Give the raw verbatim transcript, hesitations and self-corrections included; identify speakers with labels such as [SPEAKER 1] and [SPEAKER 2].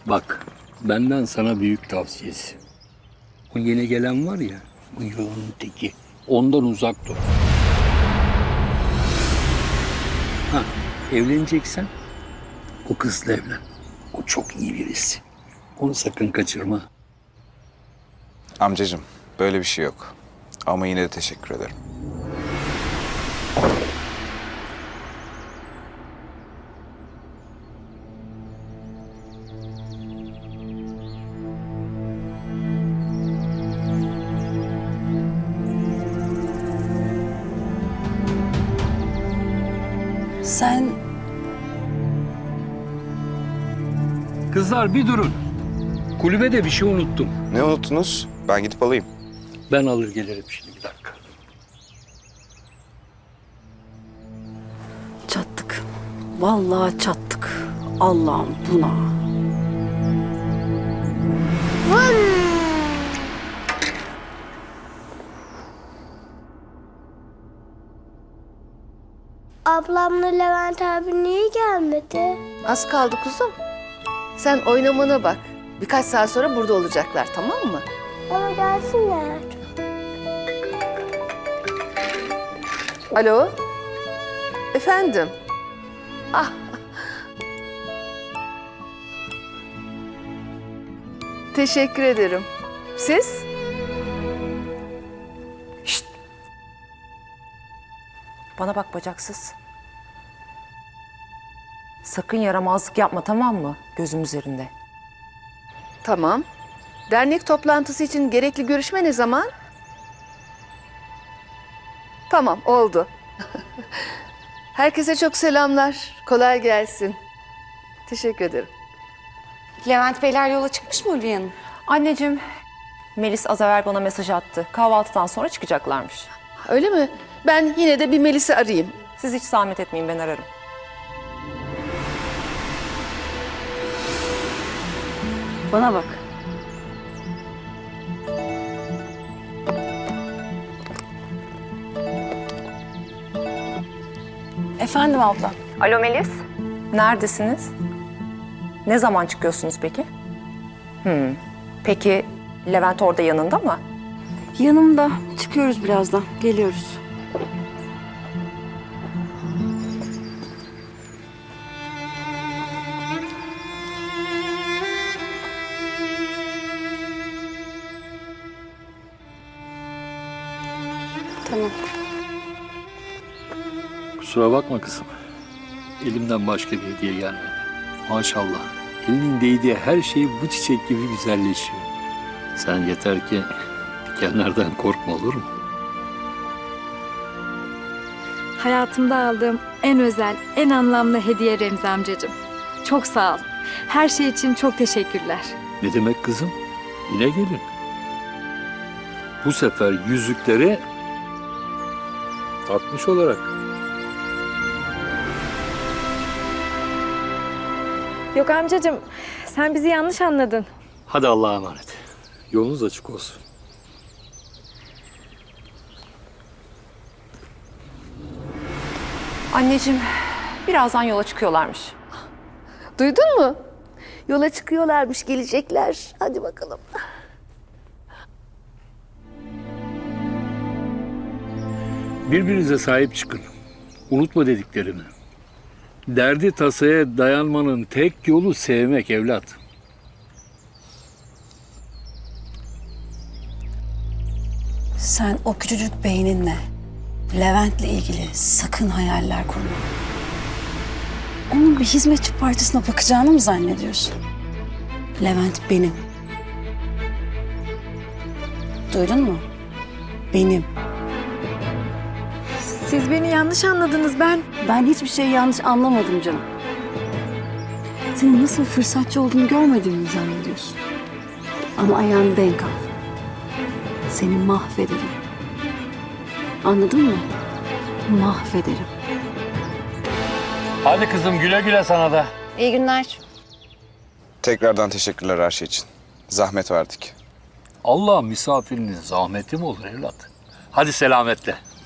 [SPEAKER 1] Bak, benden sana büyük tavsiyesi. O yeni gelen var ya, o yolun teki. Ondan uzak dur. Ha, evleneceksen o kızla evlen. O çok iyi birisi. Onu sakın kaçırma.
[SPEAKER 2] Amcacığım, böyle bir şey yok. Ama yine de teşekkür ederim.
[SPEAKER 3] Sen
[SPEAKER 1] Kızlar bir durun. Kulübede bir şey unuttum.
[SPEAKER 2] Ne unuttunuz? Ben gidip alayım.
[SPEAKER 1] Ben alır gelirim şimdi, bir dakika.
[SPEAKER 3] çattık. Vallahi çattık. Allah'ım buna.
[SPEAKER 4] Ablamla Levent abi niye gelmedi?
[SPEAKER 5] Az kaldı kuzum. Sen oynamana bak. Birkaç saat sonra burada olacaklar, tamam mı?
[SPEAKER 4] Ama gelsinler.
[SPEAKER 5] Alo? Efendim? Ah. Teşekkür ederim. Siz? Şşt. Bana bak bacaksız. Sakın yaramazlık yapma, tamam mı? Gözüm üzerinde. Tamam. Dernek toplantısı için gerekli görüşme ne zaman? Tamam, oldu. Herkese çok selamlar. Kolay gelsin. Teşekkür ederim.
[SPEAKER 6] Levent Beyler yola çıkmış mı Ulviye Hanım?
[SPEAKER 7] Anneciğim, Melis az evvel bana mesaj attı. Kahvaltıdan sonra çıkacaklarmış.
[SPEAKER 5] Öyle mi? Ben yine de bir Melis'i arayayım.
[SPEAKER 7] Siz hiç zahmet etmeyin, ben ararım.
[SPEAKER 3] Bana bak. Efendim abla.
[SPEAKER 7] Alo Melis, neredesiniz? Ne zaman çıkıyorsunuz peki? Hmm. Peki Levent orada yanında mı?
[SPEAKER 3] Yanımda. Çıkıyoruz birazdan. Geliyoruz. Tamam.
[SPEAKER 1] Kusura bakma kızım. Elimden başka bir hediye gelmedi. Maşallah. Elinin değdiği her şey bu çiçek gibi güzelleşiyor. Sen yeter ki dikenlerden korkma, olur mu?
[SPEAKER 8] Hayatımda aldığım en özel, en anlamlı hediye Remzi amcacığım. Çok sağ ol. Her şey için çok teşekkürler.
[SPEAKER 1] Ne demek kızım? Yine gelin. Bu sefer yüzükleri takmış olarak.
[SPEAKER 8] Yok amcacığım, sen bizi yanlış anladın.
[SPEAKER 1] Hadi Allah'a emanet. Yolunuz açık olsun.
[SPEAKER 7] Anneciğim, birazdan yola çıkıyorlarmış.
[SPEAKER 5] Duydun mu? Yola çıkıyorlarmış, gelecekler. Hadi bakalım.
[SPEAKER 1] Birbirinize sahip çıkın. Unutma dediklerimi. Derdi tasaya dayanmanın tek yolu sevmek evlat.
[SPEAKER 3] Sen o küçücük beyninle Levent'le ilgili sakın hayaller kurma. Onun bir hizmetçi partisine bakacağını mı zannediyorsun? Levent benim. Duydun mu? Benim.
[SPEAKER 8] Siz beni yanlış anladınız ben.
[SPEAKER 3] Ben hiçbir şey yanlış anlamadım canım. Senin nasıl fırsatçı olduğunu görmediğimi mi zannediyorsun? Ama ayağını denk al. Seni mahvederim. Anladın mı? Mahvederim.
[SPEAKER 1] Hadi kızım, güle güle sana da.
[SPEAKER 6] İyi günler.
[SPEAKER 2] Tekrardan teşekkürler her şey için. Zahmet verdik.
[SPEAKER 1] Allah misafirinin zahmeti mi olur evlat? Hadi selametle.